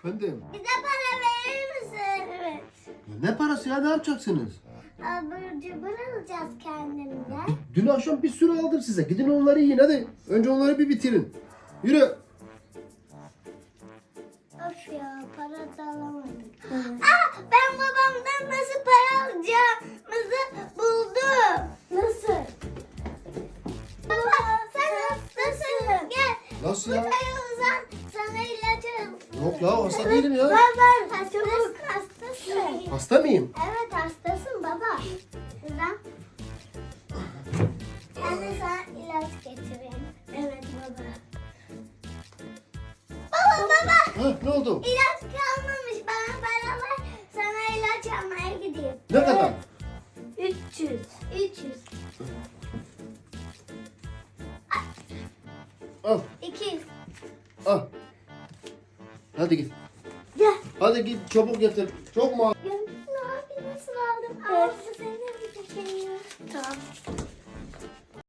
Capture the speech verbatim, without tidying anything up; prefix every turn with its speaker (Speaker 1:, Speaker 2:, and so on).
Speaker 1: Efendim?
Speaker 2: Bize para verir misin? Evet.
Speaker 1: Ne parası ya? Ne yapacaksınız?
Speaker 2: Abur cubur alacağız kendimize.
Speaker 1: Dün akşam bir sürü aldım size. Gidin onları yiyin hadi. Önce onları bir bitirin. Yürü.
Speaker 2: Of ya, para da alamadık. Aa, ben babamdan nasıl para alacağımızı buldum. Nasıl? Baba sen hastasın. Gel.
Speaker 1: Nasıl ya?
Speaker 2: Buraya uzan. Sana ilaç alalım.
Speaker 1: Yok ya hasta değilim ya.
Speaker 2: Baba hastasın. Hastasın.
Speaker 1: Hasta mıyım?
Speaker 2: Evet hastasın baba. Uzan. Ben de sana ilaç getireyim. Evet baba. Baba baba.
Speaker 1: Ha, ne oldu?
Speaker 2: İlaç kalmamış. Bana para ver. Sana ilaç almaya gideyim.
Speaker 1: Ne kadar?
Speaker 2: üç yüz. üç yüz.
Speaker 1: Al.
Speaker 2: iki yüz.
Speaker 1: Al. Hadi git.
Speaker 2: Gel.
Speaker 1: Hadi git çabuk getir. Çok mu?
Speaker 2: Gönlüm abi nasıl aldım? Ağzı senin bir şey. Tamam.